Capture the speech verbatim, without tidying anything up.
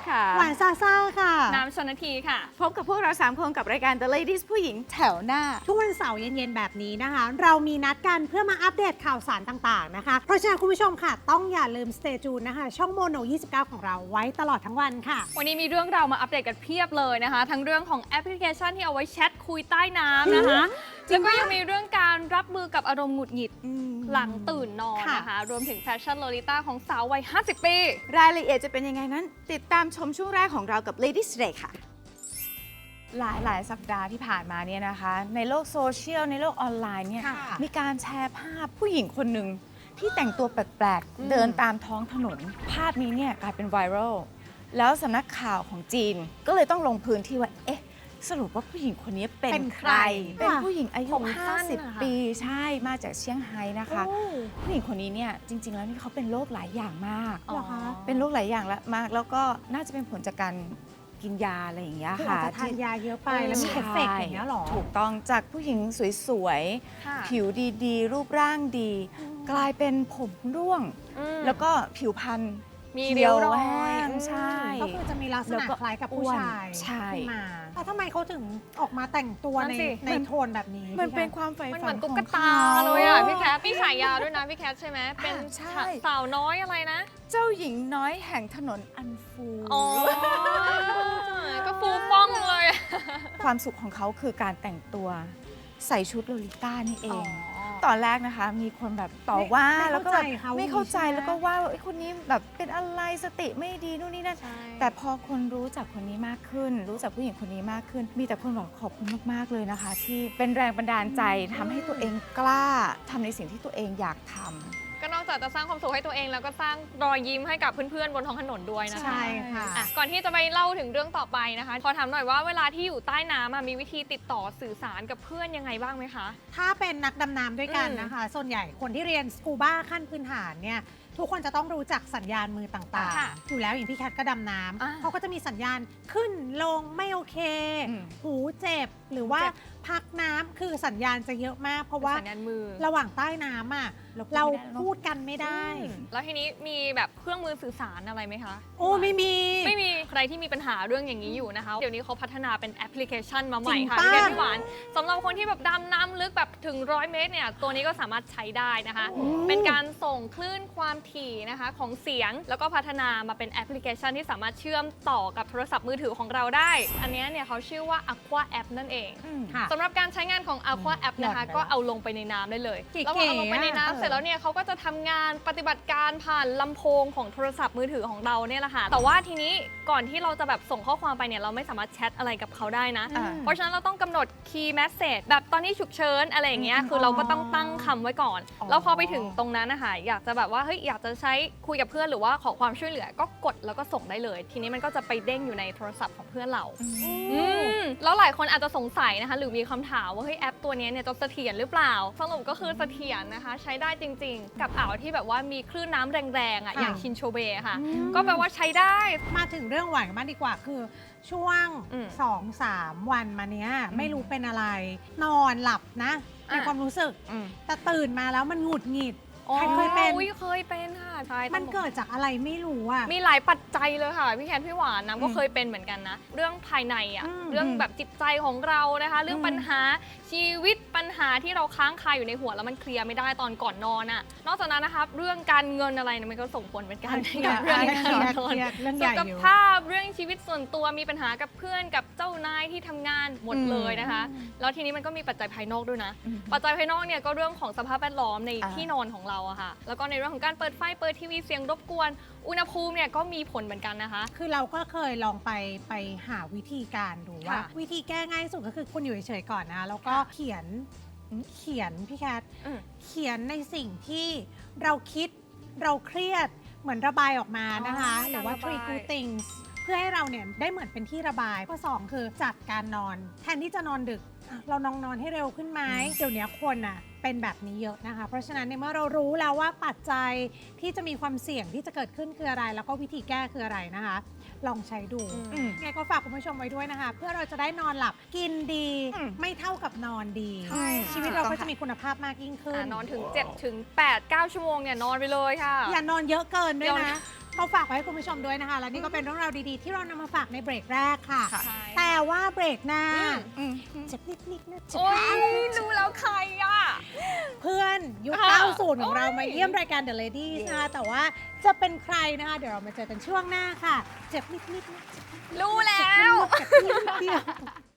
ค่ะหวานซาซ่าค่ะน้ำชนทีค่ะพบกับพวกเราสามคนกับรายการ The Ladies ผู้หญิงแถวหน้าทุกวันเสาร์เย็นๆแบบนี้นะคะ เรามีนัดกันเพื่อมาอัปเดตข่าวสารต่างๆนะคะ เพราะฉะนั้นคุณผู้ชมค่ะต้องอย่าลืม Stay Tuned นะคะช่องโมโนยี่สิบเก้าของเราไว้ตลอดทั้งวันค่ะวันนี้มีเรื่องราวมาอัปเดตกันเพียบเลยนะคะ ทั้งเรื่องของแอปพลิเคชันที่เอาไว้แชทคุยใต้น้ำนะคะแล้วก็ยังมีเรื่องการรับมือกับอารมณ์หงุดหงิดหลังตื่นนอนนะคะรวมถึงแฟชั่นโลลิต้าของสาววัยห้าสิบปีรายละเอียดจะเป็นยังไงนั้นติดตามชมช่วงแรกของเรากับ Ladies Today ค่ะหลายหลายสัปดาห์ที่ผ่านมาเนี่ยนะคะในโลกโซเชียลในโลกออนไลน์เนี่ยมีการแชร์ภาพผู้หญิงคนหนึ่งที่แต่งตัวแปลกๆเดินตามท้องถนนภาพนี้เนี่ยกลายเป็นไวรัลแล้วสำนักข่าวของจีนก็เลยต้องลงพื้นที่ว่าเอ๊ะสรุปว่าผู้หญิงคนนี้เป็นใครเป็นผู้หญิงอายุห้าสิบปีใช่มาจากเซี่ยงไฮ้นะคะผู้หญิงคนนี้เนี่ยจริงๆแล้วนี่เขาเป็นโรคหลายอย่างมากเป็นโรคหลายอย่างละมากแล้วก็น่าจะเป็นผลจากการกินยาอะไรอย่างเงี้ยค่ะทานยาเยอะไปแล้วมีเอฟเฟกต์อย่างเงี้ยหรอถูกต้องจากผู้หญิงสวยๆผิวดีๆรูปร่างดีกลายเป็นผมร่วงแล้วก็ผิวพรรณมีเรียวรอยใช่ก็คือจะมีลักษณะคล้ายกับผู้ชายขึ้นมาแล้วทำไมเขาถึงออกมาแต่งตัวในในโทนแบบนี้มันเป็นความใฝ่ฝันของเขาตุ๊กตาเลยอ่ะพี่แคทพี่ฉายาด้วยนะพี่แคทใช่ไหมเป็นสาวน้อยอะไรนะเจ้าหญิงน้อยแห่งถนนอันฟูอ๋อก็ฟูฟ่องเลยความสุขของเขาคือการแต่งตัวใส่ชุดโลลิต้านี่เองตอนแรกนะคะมีคนแบบต่อว่าแล้วก็ไม่เข้าใจแล้วก็ว่าไอ้คนนี้แบบเป็นอะไรสติไม่ดีนู่นนี่นั่นแต่พอคนรู้จักคนนี้มากขึ้นรู้จักผู้หญิงคนนี้มากขึ้นมีแต่คนบอกขอบคุณมากๆเลยนะคะที่เป็นแรงบันดาลใจทำให้ตัวเองกล้าทำในสิ่งที่ตัวเองอยากทำก็นอกจากจะสร้างความสุขให้ตัวเองแล้วก็สร้างรอยยิ้มให้กับเพื่อนๆบนท้องถนนด้วยนะคะใช่ค่ะก่อนที่จะไปเล่าถึงเรื่องต่อไปนะคะขอถามหน่อยว่าเวลาที่อยู่ใต้น้ำมีวิธีติดต่อสื่อสารกับเพื่อนยังไงบ้างไหมคะถ้าเป็นนักดำน้ำด้วยกันนะคะส่วนใหญ่คนที่เรียนสกูบ้าขั้นพื้นฐานเนี่ยทุกคนจะต้องรู้จักสัญญาณมือต่างๆอยู่แล้วอย่างพี่แคทก็ดำน้ำเขาก็จะมีสัญญาณขึ้นลงไม่โอเคหูเจ็บหรือว่าพักน้ำคือสัญญาณจะเยอะมากเพราะว่าระหว่างใต้น้ำอ่ะเราพูดกันไม่ได้แล้วทีนี้มีแบบเครื่องมือสื่อสารอะไรไหมคะโอ้ไม่มีไม่มีใครที่มีปัญหาเรื่องอย่างนี้อยู่นะคะเดี๋ยวนี้เขาพัฒนาเป็นแอปพลิเคชันมาใหม่ค่ะพี่แคทพี่หวานสำหรับคนที่แบบดำน้ำลึกแบบถึงร้อยเมตรเนี่ยตัวนี้ก็สามารถใช้ได้นะคะเป็นการส่งคลื่นความถี่นะคะของเสียงแล้วก็พัฒนามาเป็นแอปพลิเคชันที่สามารถเชื่อมต่อกับโทรศัพท์มือถือของเราได้อันนี้เนี่ยเขาชื่อว่า Aqua App นั่นเองสำหรับการใช้งานของ Aqua App นะคะก็เอาลงไปในน้ำได้เลยแล้วพอเอาลงไปในน้ำเสร็จแล้วเนี่ยเขาก็จะทำงานปฏิบัติการผ่านลำโพงของโทรศัพท์มือถือของเราเนี่ยแหละค่ะแต่ว่าทีนี้ก่อนที่เราจะแบบส่งข้อความไปเนี่ยเราไม่สามารถแชทอะไรกับเขาได้นะเพราะฉะนั้นเราต้องกำหนด Key Message แบบตอนนี้ฉุกเฉินอะไรอย่างเงี้ยคือเราก็ต้องตั้งคำไว้ก่อนแล้วพอไปถึงตรงนั้นนะคะอยากจะแบบว่าเฮ้ยอยากจะใช้คุยกับเพื่อนหรือว่าขอความช่วยเหลือก็กดแล้วก็ส่งได้เลยทีนี้มันก็จะไปเด้งอยู่ในโทรศัพท์ของเพื่อนเราแล้วหลายคนอาจจะสงสัยนะคะหรือมีคำถามว่าเฮ้ยแอปตัวนี้เนี่ยจะเสถียรหรือเปล่าสรุปก็คือเสถียรนะคะใช้ได้จริงๆกับอ่าวที่แบบว่ามีคลื่นน้ำแรงๆอ่ะอย่างชินโชเบะค่ะก็แปลว่าใช้ได้มาถึงเรื่องหวานกันบ้างดีกว่าคือช่วง สองสาม วันมาเนี้ยไม่รู้เป็นอะไรนอนหลับนะในความรู้สึกแต่ตื่นมาแล้วมันหงุดหงิดใครเคยเป็นเคยเป็นค่ะใช่มันเกิดจากอะไรไม่รู้อ่ะมีหลายปัจจัยเลยค่ะพี่แคนพี่หวานน้ำก็เคยเป็นเหมือนกันนะเรื่องภายในอ่ะเรื่องแบบจิตใจของเรานะคะเรื่องปัญหาชีวิตปัญหาที่เราค้างคาอยู่ในหัวแล้วมันเคลียร์ไม่ได้ตอนก่อนนอนอ่ะนอกจากนั้นนะคะเรื่องการเงินอะไรมันก็ส่งผลเหมือนกันกับเรื่องการนอนสุขภาพเรื่องชีวิตส่วนตัวมีปัญหากับเพื่อนกับเจ้านายที่ทำงานหมดเลยนะคะแล้วทีนี้มันก็มีปัจจัยภายนอกด้วยนะปัจจัยภายนอกเนี่ยก็เรื่องของสภาพแวดล้อมในที่นอนของเราอะค่ะแล้วก็ในเรื่องของการเปิดไฟเปิดทีวีเสียงรบกวนอุณหภูมิเนี่ยก็มีผลเหมือนกันนะคะคือเราก็เคยลองไปไปหาวิธีการดูว่าวิธีแก้ง่ายสุดก็คือคุณอยู่เฉยๆก่อนนะแล้วก็เขียนเขียนพี่แคทเขียนในสิ่งที่เราคิดเราเครียดเหมือนระบายออกมานะคะหรือว่า three good things เพื่อให้เราเนี่ยได้เหมือนเป็นที่ระบายข้อสองคือจัดการนอนแทนที่จะนอนดึกเรานอนนอนให้เร็วขึ้นไหมเดี๋ยวนี้คนอ่ะเป็นแบบนี้เยอะนะคะเพราะฉะนั้นในเมื่อเรารู้แล้วว่าปัจจัยที่จะมีความเสี่ยงที่จะเกิดขึ้นคืออะไรแล้วก็วิธีแก้คืออะไรนะคะลองใช้ดูไงก็ฝากคุณผู้ชมไว้ด้วยนะคะเพื่อเราจะได้นอนหลับกินดีไม่เท่ากับนอนดีชีวิตเราก็จะมีคุณภาพมากยิ่งขึ้นนอนถึง เจ็ดถึงแปด เก้า ชั่วโมงเนี่ยนอนไปเลยค่ะอย่านอนเยอะเกินด้วยนะเขาฝากไว้ให้คุณผู้ชมด้วยนะคะ และนี่ก็เป็นเรื่องราวดีๆ ที่เรานำมาฝากในเบรกแรกค่ะค่ะแต่ว่าเบรกหน้าอืมเจ็บนิดๆนะจ๊ะโอ้ยรู้แล้วใครอ่ะเพื่อนยุคค่ะเก้าสิบของเราโอ้ยมาเยี่ยมรายการ The Ladies นะคะแต่ว่าจะเป็นใครนะคะ เดี๋ยวเรามาเจอกันช่วงหน้าค่ะ เจ็บนิดๆนะรู้แล้วเจ็บนิดเดียว